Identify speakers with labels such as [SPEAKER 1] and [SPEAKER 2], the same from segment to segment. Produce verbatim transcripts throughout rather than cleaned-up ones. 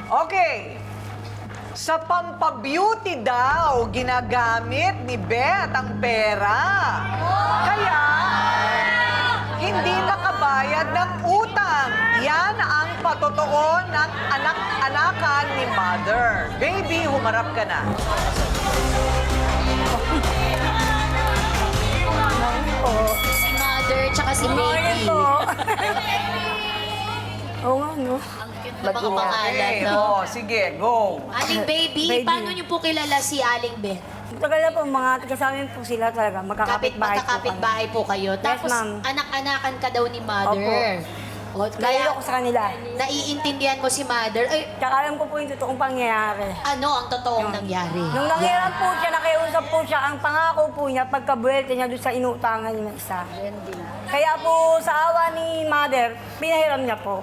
[SPEAKER 1] Okay. Sa pampabeauty daw, ginagamit ni Beth ang pera. Kaya, hindi nakabayad ng utang. Yan ang patotoo ng anak-anakan ni Mother. Baby, humarap ka na.
[SPEAKER 2] Si Mother, tsaka si Baby.
[SPEAKER 3] Oo nga, no?
[SPEAKER 2] Ang cute na mga pangalan,
[SPEAKER 1] Okay,
[SPEAKER 2] no?
[SPEAKER 1] oh, sige, go.
[SPEAKER 2] Aling Baby,
[SPEAKER 3] Baby.
[SPEAKER 2] paano niyo po kilala si Aling Beth?
[SPEAKER 3] Tagal na po, mga taga-samin po sila talaga.
[SPEAKER 2] Kapit
[SPEAKER 3] Magkakapit bahay po
[SPEAKER 2] magkakapit
[SPEAKER 3] kami.
[SPEAKER 2] bahay po kayo. Tapos
[SPEAKER 3] ma'am.
[SPEAKER 2] anak-anakan ka daw ni Mother.
[SPEAKER 3] Opo.
[SPEAKER 2] O,
[SPEAKER 3] Dahil
[SPEAKER 2] kaya
[SPEAKER 3] ako sa kanila.
[SPEAKER 2] naiintindihan mo si Mother. Ay,
[SPEAKER 3] Tsaka alam ko po yung totoong pangyayari.
[SPEAKER 2] ano ang totoong nangyari?
[SPEAKER 3] Nung nangyayari po siya, nakiusap po siya, ang pangako po niya, pagkabuelte niya doon sa inutangan niya ng isa. Kaya po sa awa ni Mother, pinahiram niya po.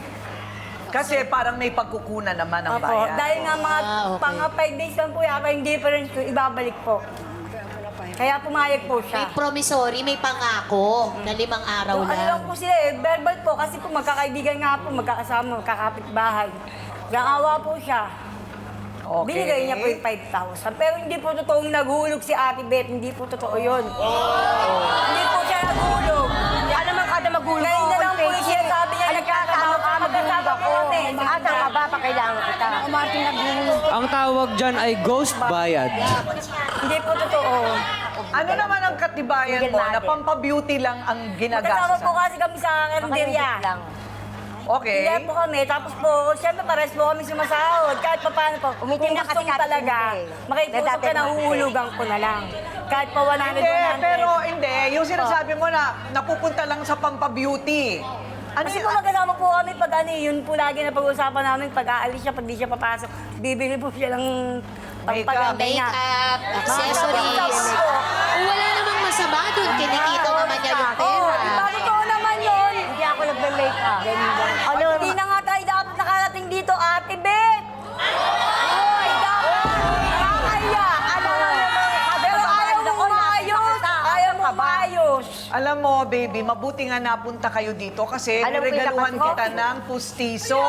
[SPEAKER 1] Kasi parang may pagkukunan naman ang
[SPEAKER 3] Opo,
[SPEAKER 1] bayan.
[SPEAKER 3] dahil nga mga
[SPEAKER 2] Ah, okay.
[SPEAKER 3] pang five days lang po yata yung difference ko, ibabalik po. Kaya pumayag po
[SPEAKER 2] May
[SPEAKER 3] siya.
[SPEAKER 2] promissory, may pangako na limang araw
[SPEAKER 3] Ano lang
[SPEAKER 2] lang.
[SPEAKER 3] po sila eh, verbal po kasi po magkakaibigan nga po, magkakasama, magkakapit bahay. Naawa po siya.
[SPEAKER 1] Okay.
[SPEAKER 3] Binigay niya po yung five thousand. Pero hindi po totoong naghulog si Ate Beth, hindi po totoo yun. Hindi po siya naghulog.
[SPEAKER 4] Alam mo kada magulo.
[SPEAKER 3] Ngayon na lang po yung sinasabi niya, nagkakasama ka, magkakasama ko.
[SPEAKER 4] Asa ka ba pa kailangan kita?
[SPEAKER 3] Umating naghulog.
[SPEAKER 5] Ang tawag dyan ay ghost bayad.
[SPEAKER 3] Hindi po totoo.
[SPEAKER 1] Ano naman ang katibayan mo na pampabeauty lang ang
[SPEAKER 3] Magkasama
[SPEAKER 1] ginagastosan?
[SPEAKER 3] po kasi kami sa karinderya.
[SPEAKER 4] lang.
[SPEAKER 1] Okay.
[SPEAKER 3] Hindi po kami. Tapos po, siyempre pares po kami sumasahod. Kahit pa paano po,
[SPEAKER 4] Umitim
[SPEAKER 3] kung
[SPEAKER 4] na kasi
[SPEAKER 3] gusto mo
[SPEAKER 4] Kati
[SPEAKER 3] talaga,
[SPEAKER 4] Tinte.
[SPEAKER 3] makikusap ka
[SPEAKER 4] Dati
[SPEAKER 3] na
[SPEAKER 4] Tinte.
[SPEAKER 3] huhulugan ko na lang. Kahit pa one hundred,
[SPEAKER 1] Hindi,
[SPEAKER 3] one hundred.
[SPEAKER 1] pero hindi. Yung sinasabi mo na napupunta lang sa pampabeauty. Ano
[SPEAKER 3] Kasi
[SPEAKER 1] yun?
[SPEAKER 3] po magkasama po kami pag ano, yun po lagi na pag-uusapan namin, pag aalis siya, pag di siya papasok, bibili po siya ng pagpaganda niya.
[SPEAKER 2] Makeup, accessories.
[SPEAKER 3] Accessories po.
[SPEAKER 2] Kung wala namang masama doon, kinikita naman niya yung
[SPEAKER 3] Oo,
[SPEAKER 2] pera.
[SPEAKER 3] diba totoo naman yun?
[SPEAKER 4] Hindi ako nagme-make up.
[SPEAKER 3] Ano, hindi na nga tayo dapat nakarating dito, Ate Beth! Hoy, dapat! Nakakaya! Ano na naman? Pero ayaw mo maayos! Ayaw mo maayos!
[SPEAKER 1] Alam mo, baby, mabuti nga napunta kayo dito kasi
[SPEAKER 4] Alam ko yung
[SPEAKER 1] niregaluhan
[SPEAKER 4] nakasuot.
[SPEAKER 1] kita ng pustiso.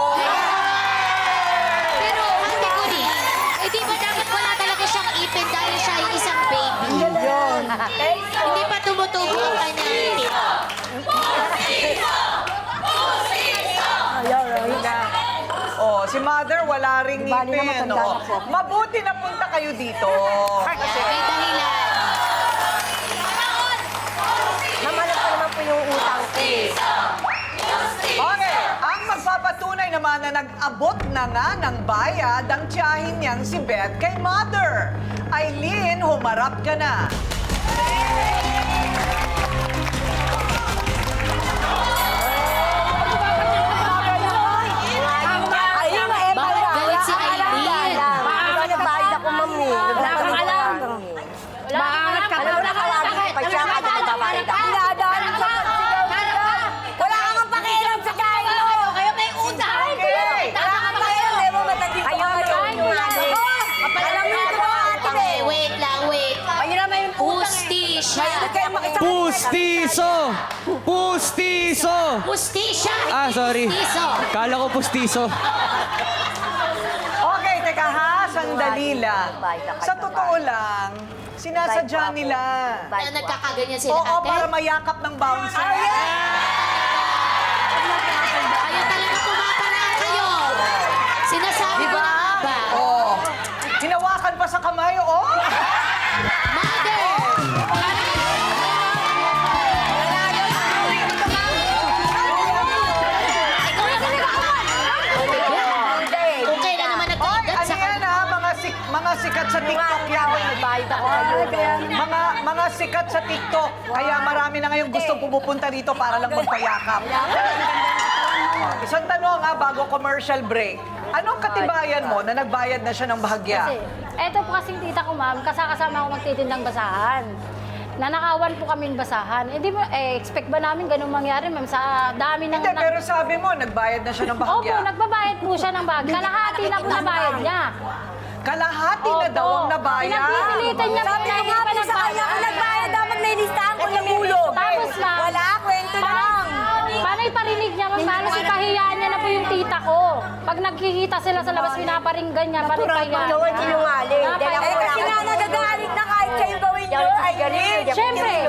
[SPEAKER 2] Pero, Ate Connie, eh di ba dapat wala talaga siyang ipin dahil siya ay isang baby?
[SPEAKER 3] Yun!
[SPEAKER 2] Hindi pa tumutubo ang kanyang ipin.
[SPEAKER 3] Ayaw, ayaw.
[SPEAKER 1] Oh, si Mother wala ring
[SPEAKER 4] Bali na
[SPEAKER 1] ngipin.
[SPEAKER 4] matanda
[SPEAKER 1] Oh.
[SPEAKER 4] na po.
[SPEAKER 1] Mabuti na punta kayo dito.
[SPEAKER 2] Kasi may dahilan.
[SPEAKER 4] Namalap ko naman po yung utang ko.
[SPEAKER 1] Okay, ang magpapatunay naman na nag-abot na nga ng bayad ang tiyahin niyang si Beth kay Mother. Eileen, humarap ka na.
[SPEAKER 3] Ayun, eh,
[SPEAKER 2] Bakit galit si Eileen?
[SPEAKER 4] Diba nagbayad ako, ma'am eh. Nagbayad ako lang.
[SPEAKER 3] Maangat ka
[SPEAKER 4] Alam mo na kawagin ko pa siya kada nagbabayad ako.
[SPEAKER 3] Pinadaan sa pagsigaw nila. Wala kang ang pakialam sa kain mo!
[SPEAKER 2] Kayo may utang!
[SPEAKER 1] Okay.
[SPEAKER 3] Wala kang pakialam, di mo matandi ko.
[SPEAKER 4] Ayun, ayun, yung ano.
[SPEAKER 3] Alam mo ito ba, Ate
[SPEAKER 2] Okay,
[SPEAKER 3] Beth?
[SPEAKER 2] wait lang, wait.
[SPEAKER 3] Ayun naman yung
[SPEAKER 2] Hustisya!
[SPEAKER 3] Kaya makisama.
[SPEAKER 5] Pustiso! Pustiso!
[SPEAKER 2] Hustisya!
[SPEAKER 5] Ah, sorry.
[SPEAKER 2] Hustiso.
[SPEAKER 5] Kala ko pustiso.
[SPEAKER 1] Okay, teka ha, sandali lang. Sa totoo lang, sinasadya nila.
[SPEAKER 2] Na nagkakaganyan sila,
[SPEAKER 1] Oo,
[SPEAKER 2] ate?
[SPEAKER 1] para mayakap ng bouncer.
[SPEAKER 2] Ayaw talaga pumaparaan kayo. Sinasabi ko
[SPEAKER 1] Diba?
[SPEAKER 2] na nga ba?
[SPEAKER 1] Oo. Hinawakan pa sa kamay, oh.
[SPEAKER 2] Mother! Ikaw na nagkakaman! Kung kailan naman
[SPEAKER 1] Hoy,
[SPEAKER 2] nagkakagat
[SPEAKER 1] ano
[SPEAKER 2] sa
[SPEAKER 1] yan ha? Mga, sik mga sikat sa TikTok yan.
[SPEAKER 4] Nagbayad ako.
[SPEAKER 1] Mga mga sikat sa TikTok. Kaya marami na ngayong gusto pumupunta dito para lang magpayakap. Oh, isang tanong ha, bago commercial break. Anong katibayan mo na nagbayad na siya ng bahagya?
[SPEAKER 6] Kasi, eto po kasing tita ko, ma'am, kasakasama ako magtitindang basahan. Nanakawan po kaming basahan. Eh, di ba, eh, expect ba namin ganun mangyari, ma'am, sa dami ng...
[SPEAKER 1] Hindi, pero sabi mo, nagbayad na siya ng
[SPEAKER 6] Opo,
[SPEAKER 1] bahagya.
[SPEAKER 6] nagbabayad po siya ng bahagya. Kalahati na po nabayad niya.
[SPEAKER 1] Kalahati na
[SPEAKER 6] Opo.
[SPEAKER 1] daw ang nabayad.
[SPEAKER 6] Pinagpipilitan niya po
[SPEAKER 3] Sabi
[SPEAKER 6] na
[SPEAKER 3] ko
[SPEAKER 6] hindi
[SPEAKER 3] nga
[SPEAKER 6] pa
[SPEAKER 3] po sa kanya, kung nagbayad dapat may listahan ko ng ulo.
[SPEAKER 6] Tapos, ma'am,
[SPEAKER 3] Wala, kwento lang.
[SPEAKER 6] Paano iparinig niya, ma'am? Paano ipahiyaan niya na po yung tita tita ko. Pag nagkikita sila sa labas, pinaparinggan niya, panipayan.
[SPEAKER 4] Ikaw ang sinungaling. Dahil ako
[SPEAKER 3] Eh,
[SPEAKER 4] wala
[SPEAKER 3] kasi nga
[SPEAKER 4] akong
[SPEAKER 3] nagagalit na kahit kayo gawin nyo. Ay,
[SPEAKER 4] galit.
[SPEAKER 6] Siyempre,